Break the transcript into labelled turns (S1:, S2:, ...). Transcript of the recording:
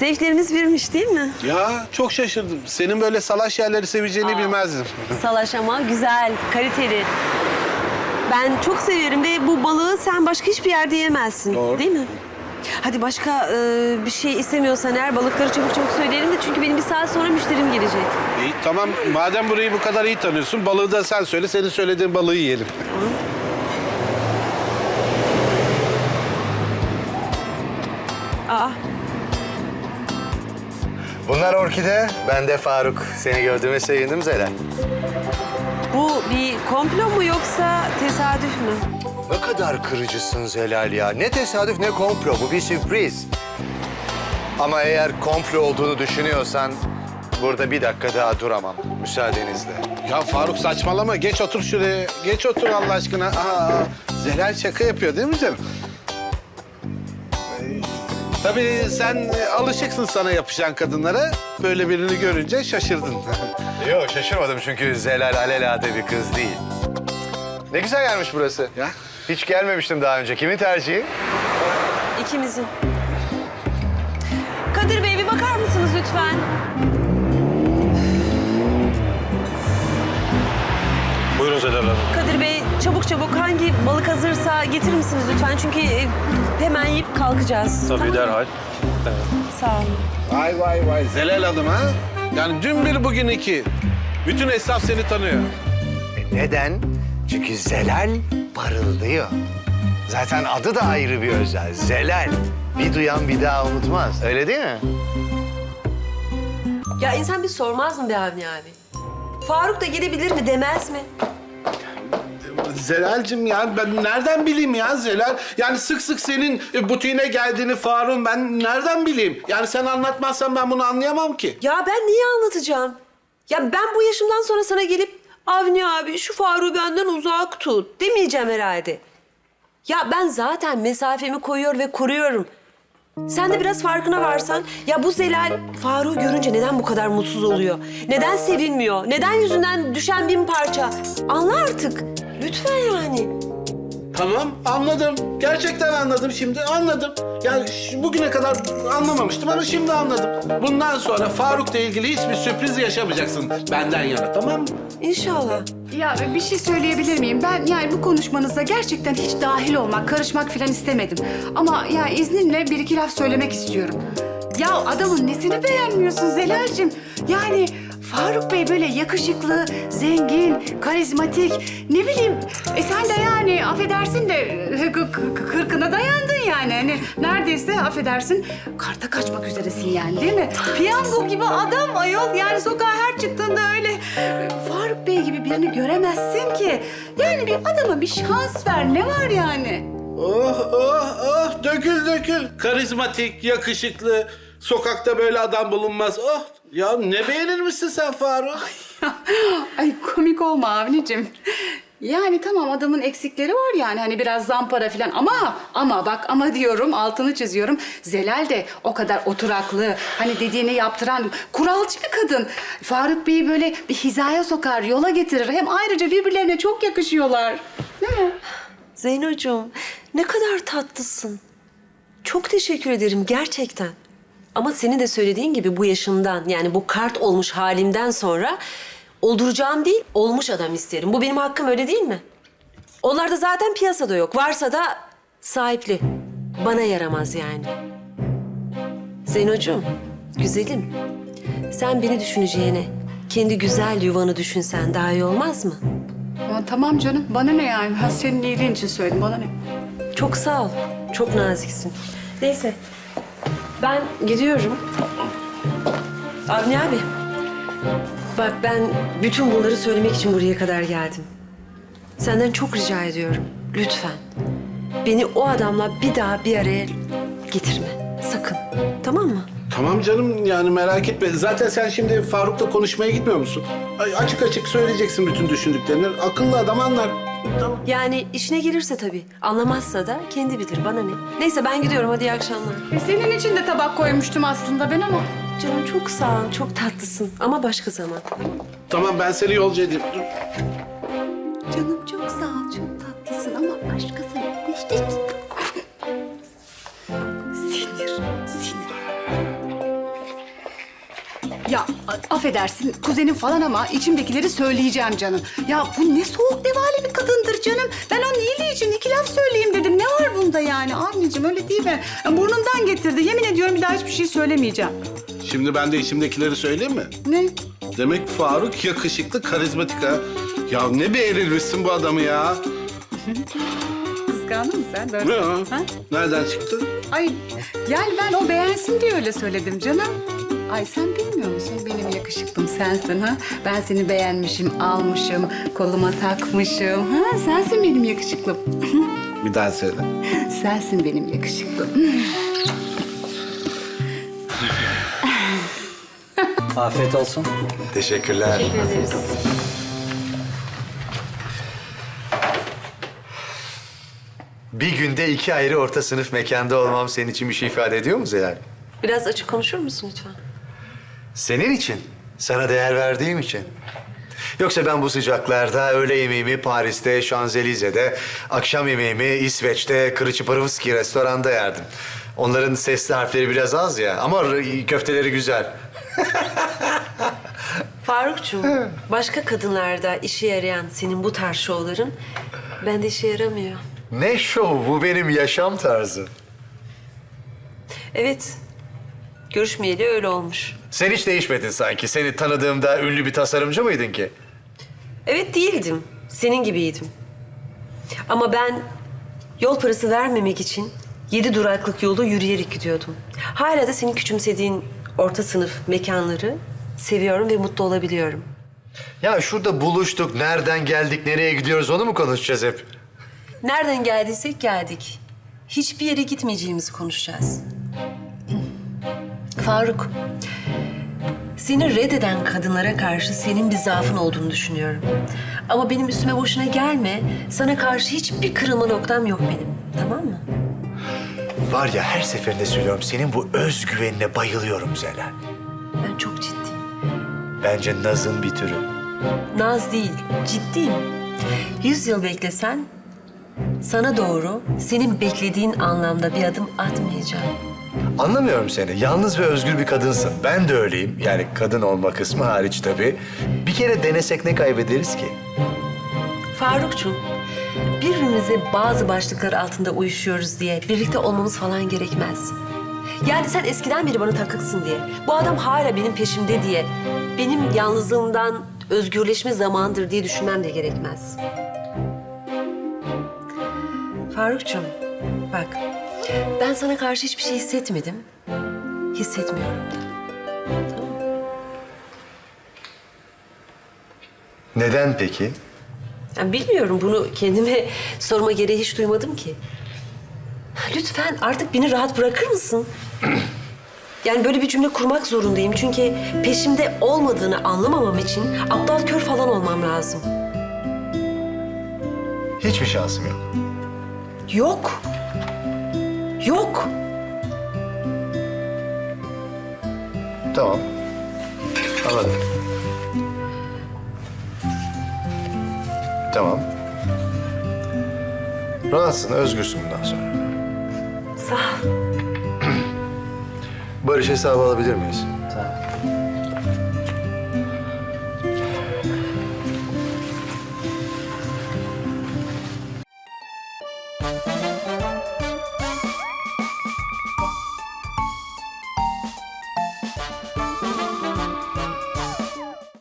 S1: Zevklerimiz birmiş değil mi?
S2: Ya çok şaşırdım. Senin böyle salaş yerleri seveceğini bilmezdim.
S1: Salaş ama güzel, kaliteli. Ben çok severim ve bu balığı sen başka hiçbir yerde yemezsin.
S2: Doğru.
S1: Değil mi? Hadi başka bir şey istemiyorsan eğer balıkları çabuk çabuk söyleyelim de çünkü benim bir saat sonra müşterim gelecek.
S2: İyi tamam, madem burayı bu kadar iyi tanıyorsun, balığı da sen söyle, senin söylediğin balığı yiyelim.
S1: Aa,
S3: Bunlar Orkide, ben de Faruk. Seni gördüğüme sevindim Zelal.
S1: bu bir komplo mu yoksa tesadüf mü?
S3: Ne kadar kırıcısın Zelal ya. Ne tesadüf ne komplo, bu bir sürpriz. Ama eğer komplo olduğunu düşünüyorsan burada bir dakika daha duramam müsaadenizle.
S2: Ya Faruk saçmalama, geç otur şuraya. Geç otur Allah aşkına. Zelal şaka yapıyor değil mi canım? Tabii sen alışıksın sana yapışan kadınlara. Böyle birini görünce şaşırdın.
S3: Yok şaşırmadım çünkü Zelal alelade bir kız değil. Ne güzel gelmiş burası.
S2: Ya.
S3: Hiç gelmemiştim daha önce. Kimin tercihi?
S1: İkimizin. Kadir Bey bir bakar mısınız lütfen?
S4: Buyurun Zelal Hanım.
S1: Kadir Bey çabuk çabuk hangi balık hazırsa getirir misiniz lütfen? Çünkü hemen yiyip kalkacağız.
S4: Tabii
S1: Tamam.
S4: derhal.
S1: Sağ olun.
S2: Vay vay vay, Zelal Hanım ha? Yani dün bir bugün iki. Bütün esnaf seni tanıyor.
S3: Neden? Çünkü Zelal parıldıyor. Zaten adı da ayrı bir özel. Zelal. Bir duyan bir daha unutmaz. Öyle değil mi?
S1: Ya insan bir sormaz mı be Avni abi? Faruk da gelebilir mi demez mi?
S2: Zelal'cim ya ben nereden bileyim ya Zelal? Yani sık sık senin butiğine geldiğini Faruk'un ben nereden bileyim? Yani sen anlatmazsan ben bunu anlayamam ki.
S1: Ya ben niye anlatacağım? Ya ben bu yaşımdan sonra sana gelip Avni abi şu Faruk'u benden uzak tut demeyeceğim herhalde. Ya ben zaten mesafemi koyuyor ve koruyorum. Sen de biraz farkına varsan, ya bu Zelal Faruk'u görünce neden bu kadar mutsuz oluyor? Neden sevinmiyor? Neden yüzünden düşen bin parça? Anla artık. Lütfen yani.
S2: Tamam anladım. Gerçekten anladım şimdi anladım. Yani bugüne kadar anlamamıştım ama şimdi anladım. Bundan sonra Faruk'la ilgili hiçbir sürpriz yaşamayacaksın benden yana, tamam mı?
S1: İnşallah.
S5: Ya bir şey söyleyebilir miyim? Ben yani bu konuşmanıza gerçekten hiç dahil olmak, karışmak falan istemedim. Ama ya izninle bir iki laf söylemek istiyorum. Ya adamın nesini beğenmiyorsun Zelal'cim? Yani Faruk Bey böyle yakışıklı, zengin, karizmatik, ne bileyim. Sen de yani affedersin de kırkına dayandın yani. Hani neredeyse affedersin karta kaçmak üzeresin yani değil mi? Piyango gibi adam ayol yani sokağa her çıktığında öyle Faruk Bey gibi birini göremezsin ki. Yani bir adama bir şans ver ne var yani?
S2: Oh oh oh dökül dökül. Karizmatik, yakışıklı. Sokakta böyle adam bulunmaz. Oh ya ne beğenir misin sen Faruk?
S5: Ay komik olma Avni'cim. Yani tamam adamın eksikleri var yani hani biraz zampara falan ama bak ama diyorum altını çiziyorum. Zelal de o kadar oturaklı hani dediğini yaptıran kuralcı bir kadın. Faruk Bey'i böyle bir hizaya sokar yola getirir hem ayrıca birbirlerine çok yakışıyorlar. Değil mi?
S1: Zeynocuğum ne kadar tatlısın. Çok teşekkür ederim gerçekten. Ama senin de söylediğin gibi bu yaşımdan yani bu kart olmuş halimden sonra olduracağım değil olmuş adam isterim. Bu benim hakkım öyle değil mi? Onlar da zaten piyasada yok. Varsa da sahipli. Bana yaramaz yani. Zeynocuğum, güzelim. Sen beni düşüneceğine kendi güzel yuvanı düşünsen daha iyi olmaz mı?
S5: Ama tamam canım bana ne yani ben senin iyiliğin için söyledim bana ne?
S1: Çok sağ ol. Çok naziksin. Neyse. Ben gidiyorum. Avni abi. Bak ben bütün bunları söylemek için buraya kadar geldim. Senden çok rica ediyorum. Lütfen. Beni o adamla bir daha bir araya getirme. Sakın. Tamam mı?
S2: Tamam canım yani merak etme. Zaten sen şimdi Faruk'la konuşmaya gitmiyor musun? Açık açık söyleyeceksin bütün düşündüklerini. Akıllı adam anlar. Tamam.
S1: Yani işine gelirse tabii. Anlamazsa da kendi bilir. Bana ne? Neyse ben gidiyorum. Hadi iyi akşamlar.
S5: Senin için de tabak koymuştum aslında ben ama.
S1: Canım çok sağ ol. Çok tatlısın. Ama başka zaman.
S2: Tamam ben seni yolcu edeyim. Dur.
S5: Canım çok sağ ol, çok tatlısın ama başkası yok işte. Sinir. affedersin kuzenim falan ama içimdekileri söyleyeceğim canım. Ya bu ne soğuk nevale bir kadındır canım. Ben onun iyiliği için iki laf söyleyeyim dedim. Ne var bunda yani anneciğim öyle değil mi? Burnumdan getirdi. Yemin ediyorum bir daha hiçbir şey söylemeyeceğim.
S2: Şimdi ben de içimdekileri söyleyeyim mi?
S5: Ne?
S2: Demek Faruk yakışıklı, karizmatik ha. Ya ne beğenilmişsin bu adamı ya.
S5: Kıskandın mı sen? Böyle.
S2: Ne o?
S5: Ha?
S2: Nereden çıktı?
S5: Ay yani ben o beğensin diye öyle söyledim canım. Ay sen bilmiyor musun benim yakışıklım sensin ha? Ben seni beğenmişim, almışım, koluma takmışım. Ha? Sensin benim yakışıklım.
S2: Bir daha söyle.
S5: Sensin benim yakışıklım.
S6: Afiyet olsun.
S3: Teşekkürler. Bir günde 2 ayrı orta sınıf mekanda olmam senin için bir şey ifade ediyor mu Zelal?
S1: Biraz açık konuşur musun lütfen?
S3: Senin için, sana değer verdiğim için. Yoksa ben bu sıcaklarda öğle yemeğimi Paris'te, Şanzelize'de, akşam yemeğimi İsveç'te, Kırıçıpırıvski restoranda yerdim. Onların sesli harfleri biraz az ya ama köfteleri güzel.
S1: Farukcuğum, başka kadınlarda işe yarayan senin bu tarz şovların bende işe yaramıyor.
S3: Ne şov, bu benim yaşam tarzı.
S1: Evet, görüşmeyeli öyle olmuş.
S3: Sen hiç değişmedin sanki. Seni tanıdığımda ünlü bir tasarımcı mıydın ki?
S1: Evet değildim, senin gibiydim. Ama ben yol parası vermemek için 7 duraklık yolu yürüyerek gidiyordum. Hala da senin küçümsediğin orta sınıf mekanları seviyorum ve mutlu olabiliyorum.
S3: Ya şurada buluştuk, nereden geldik, nereye gidiyoruz onu mu konuşacağız hep?
S1: Nereden geldiysek geldik. Hiçbir yere gitmeyeceğimizi konuşacağız. Faruk, seni reddeden kadınlara karşı senin bir zaafın olduğunu düşünüyorum. Ama benim üstüme boşuna gelme. Sana karşı hiçbir kırılma noktam yok benim. Tamam mı?
S3: Var ya her seferinde söylüyorum, senin bu özgüvenine bayılıyorum Zelal.
S1: Ben çok ciddiyim.
S3: Bence nazın bir türü.
S1: Naz değil, ciddiyim. 100 yıl beklesen sana doğru senin beklediğin anlamda bir adım atmayacağım.
S3: Anlamıyorum seni. Yalnız ve özgür bir kadınsın. Ben de öyleyim. Yani kadın olma kısmı hariç tabii. Bir kere denesek ne kaybederiz ki?
S1: Farukcuğum, birbirimize bazı başlıklar altında uyuşuyoruz diye birlikte olmamız falan gerekmez. Yani sen eskiden beri bana takıksın diye, bu adam hala benim peşimde diye, benim yalnızlığımdan özgürleşme zamandır diye düşünmem de gerekmez. Farukcuğum, bak, ben sana karşı hiçbir şey hissetmedim, hissetmiyorum da.
S3: Neden peki?
S1: Yani bilmiyorum, bunu kendime sorma gereği hiç duymadım ki. Lütfen artık beni rahat bırakır mısın? Yani böyle bir cümle kurmak zorundayım. Çünkü peşimde olmadığını anlamamam için aptal kör falan olmam lazım.
S3: Hiçbir şansım yok.
S1: Yok. Yok.
S3: Tamam. Anladım. Tamam. Rahatsın, özgürsün bundan sonra.
S1: Sağ ol.
S3: Barış hesabı alabilir miyiz?